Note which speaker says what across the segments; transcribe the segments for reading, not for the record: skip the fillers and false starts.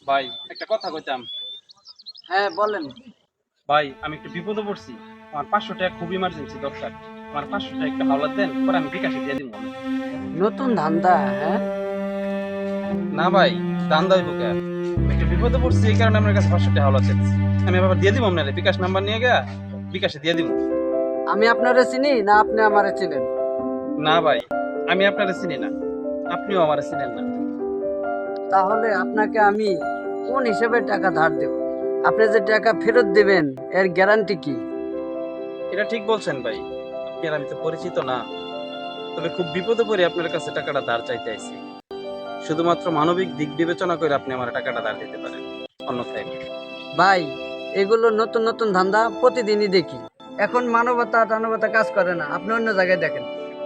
Speaker 1: ভাই একটা কথা কইতাম।
Speaker 2: হ্যাঁ বলেন।
Speaker 1: ভাই আমি একটু বিপদে পড়ছি। আমার 500 টাকা খুব ইমার্জেন্সি দরকার। আমার 500 টাকা একটু হাওলাত দেন, পরে আমি বিকাশে দিয়ে দিব।
Speaker 2: নতুন ধান্দা? হ্যাঁ,
Speaker 1: না ভাই, ধান্দা হইব কে? আমি একটু বিপদে পড়ছি, এই কারণে আপনার কাছে 500 টাকা হাওলাত চাইছি। আমি আবার দিয়ে দিব আপনারে, বিকাশ নাম্বার নিয়ে গিয়া বিকাশে দিয়ে দিব।
Speaker 2: আমি আপনারে চিনি না আপনি আমারে চিনেন?
Speaker 1: না ভাই, আমি আপনারে চিনি না, আপনিও আমারে চিনেন না।
Speaker 2: তাহলে আপনাকে আমি কোন হিসেবে টাকা ধার দেব? আপনি যে টাকা ফেরত দিবেন এর গ্যারান্টি কি?
Speaker 1: এটা ঠিক বলছেন ভাই, আপনি আর আমি তো পরিচিত না। তবে খুব বিপদে পড়ে আপনার কাছে টাকাটা ধার চাইতে আইছি। শুধুমাত্র মানবিক দিক বিবেচনা করে আপনি আমার টাকাটা ধার দিতে পারেন, অন্যথায় না।
Speaker 2: ভাই, এগুলো নতুন নতুন ধান্দা প্রতিদিনই দেখি। এখন মানবতা টানবতা কাজ করে না, আপনি অন্য জায়গায় দেখেন।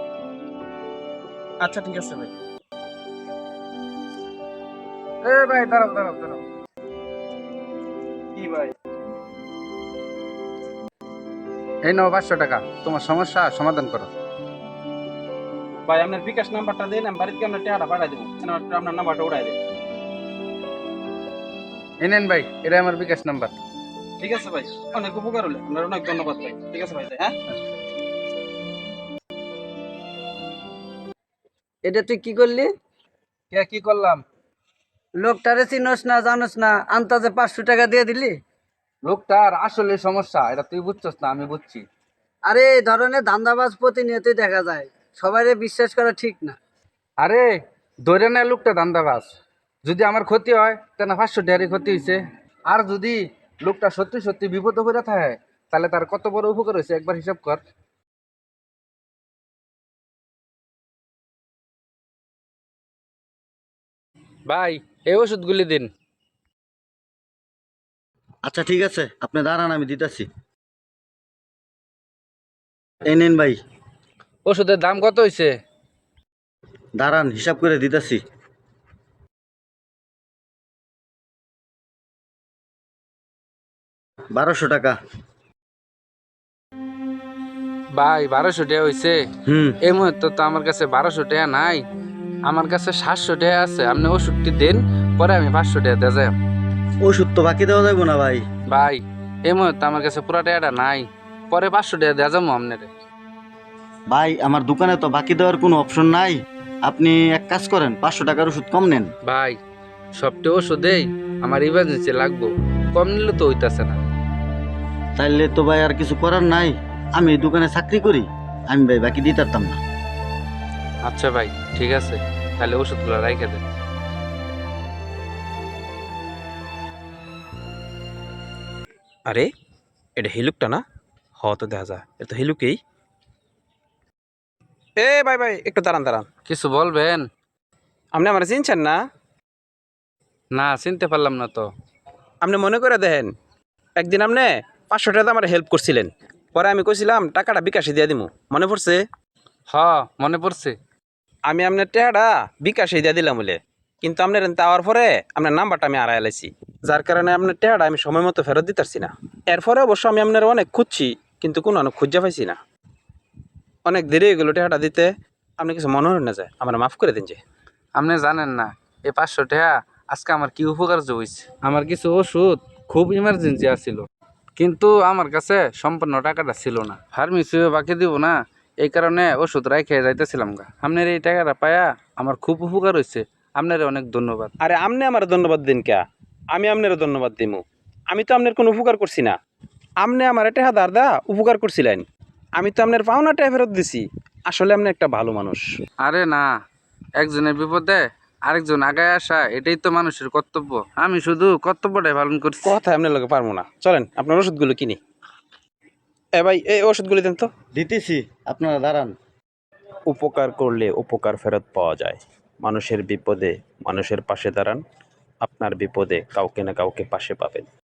Speaker 1: আচ্ছা ঠিক আছে ভাই।
Speaker 2: এ ভাই, দাঁড়াও দাঁড়াও দাঁড়াও।
Speaker 1: কি ভাই?
Speaker 3: এই নাও 500 টাকা, তোমার সমস্যা সমাধান করো।
Speaker 1: ভাই আপনার বিকাশ নাম্বারটা দেন, আমি বাড়িতে আপনার টাকাটা পাঠাই দেবো। আপনার নাম্বারটা উঠাই দেন।
Speaker 3: এই নেন ভাই, এটা আমার বিকাশ নাম্বার।
Speaker 1: ঠিক আছে ভাই, অনেক উপকার হলো, আপনার অনেক ধন্যবাদ ভাই। ঠিক আছে ভাই, হ্যাঁ।
Speaker 2: এটা তুই কি করলি?
Speaker 3: কে কি করলাম?
Speaker 2: লোকটারে চিনোস না জানোস না, আন্তাজে 500 টাকা দিয়ে দিলি।
Speaker 3: লোকটার আসলে সমস্যা এটা তুই বুঝছস না, আমি বুঝছি।
Speaker 2: আরে এই ধরনের ধান্দাবাজ প্রতিনিয়তই দেখা যায়, সবাইরে বিশ্বাস করা ঠিক না।
Speaker 3: আরে ধরে না, লোকটা ধান্দাবাজ। যদি আমার ক্ষতি হয় তাহলে 500 টাকারই ক্ষতি হয়েছে। আর যদি লোকটা সত্যি সত্যি বিপদ করে থাকে, তাহলে তার কত বড় উপকার হয়েছে একবার হিসাব কর। ভাই, এই ওষুধগুলি দিন।
Speaker 4: আচ্ছা ঠিক আছে, আপনি দাঁড়ান, আমি দিতেছি। এই নিন ভাই।
Speaker 3: ওষুধের দাম কত হয়েছে?
Speaker 4: দাঁড়ান, হিসাব করে দিতেছি। 1200 টাকা।
Speaker 3: ভাই, 1200 টাকা হয়েছে?
Speaker 4: হুম।
Speaker 3: এই মুহূর্তে তো আমার কাছে 1200 টাকা নাই। আমার কাছে 700 টাকা আছে, আপনি ওষুধটি দেন, পরে আমি 500 টাকা দিয়ে যাই।
Speaker 4: ওষুধ তো বাকি দেওয়া যাবো না ভাই।
Speaker 3: ভাই, এই মুহূর্তে আমার কাছে পুরো টাকাটা নাই, পরে 500 টাকা দেওয়া যাবো আপনারে।
Speaker 4: ভাই, আমার দোকানে তো বাকি দেওয়ার কোনো অপশন নাই। আপনি এক কাজ করেন, 500 টাকার ওষুধ কম নেন।
Speaker 3: ভাই, সবটা ওষুধেই আমার ইমার্জেন্সি লাগবো, কম নিলে তো হইতাছে না।
Speaker 4: তাইলে তো ভাই আর কিছু করার নাই। আমি এই দোকানে চাকরি করি, আমি ভাই বাকি দিতে পারতাম না।
Speaker 3: আচ্ছা ভাই, ঠিক আছে, তাহলে ওষুধগুলো রাইখে দেন।
Speaker 1: আরে এটা হিলুকটা না? হ, তো দেখা যায় এটা তো হিলুকেই। এ ভাই ভাই, একটু দাঁড়ান দাঁড়ান।
Speaker 3: কিছু বলবেন?
Speaker 1: আপনি আমার চিনছেন না?
Speaker 3: না, চিনতে পারলাম না তো।
Speaker 1: আপনি মনে করে দেখেন, একদিন আপনি 500 টাকা আমার হেল্প করছিলেন, পরে আমি কইছিলাম টাকাটা বিকাশে দিয়ে দিমু, মনে পড়ছে?
Speaker 3: হ, মনে পড়ছে।
Speaker 1: আমি আপনার টাকাটা বিকাশে দিয়ে দিলাম বলে, কিন্তু আপনার দেওয়ার পরে আপনার নাম্বারটা আমি হারাই লাইছি, যার কারণে আপনার টাকাটা আমি সময় মতো ফেরত দিতে পারছি না। এরপরে অবশ্য আমি আপনার অনেক খুঁজছি, কিন্তু কোনো খুঁজে পাইছি না। অনেক দেরি হয়ে গেলো টাকাটা দিতে। আপনি কিছু মনে হয় না যায়, আমার মাফ করে দিন যে।
Speaker 3: আপনি জানেন না এই 500 টাকা আজকে আমার কি উপকার হয়েছে। আমার কিছু ওষুধ খুব ইমার্জেন্সি আছিল, কিন্তু আমার কাছে সম্পূর্ণ টাকাটা ছিল না। ফার্মেসিও বাকি দিব না, এই কারণে ওষুধ রাইখে যাইতেছিলাম গা। আপনার এই টাকাটা পায়া আমার খুব উপকার হয়েছে, আপনার অনেক ধন্যবাদ।
Speaker 1: আরে আপনি আমার ধন্যবাদ দিন কে? আমি আপনারও ধন্যবাদ দিমু। আমি তো আপনার কোনো উপকার করছি না। আপনি আমার টাকা ধার দা উপকার করছিলেন, আমি তো আপনার পাওনা টাকা ফেরত দিছি। আসলে আপনি একটা ভালো মানুষ।
Speaker 3: আরে না, একজনের বিপদে আরেকজন আগায় আসা এটাই তো মানুষের কর্তব্য। আমি শুধু কর্তব্যটাই পালন করছি।
Speaker 1: কথা আপনার লোকে পারবো না, চলেন আপনার ওষুধগুলো কিনি। এ ভাই, এই ওষুধগুলি দেন তো।
Speaker 4: দিতেছি, আপনারা দাঁড়ান।
Speaker 1: উপকার করলে উপকার ফেরত পাওয়া যায়। মানুষের বিপদে মানুষের পাশে দাঁড়ান, আপনার বিপদে কাউকে না কাউকে পাশে পাবেন।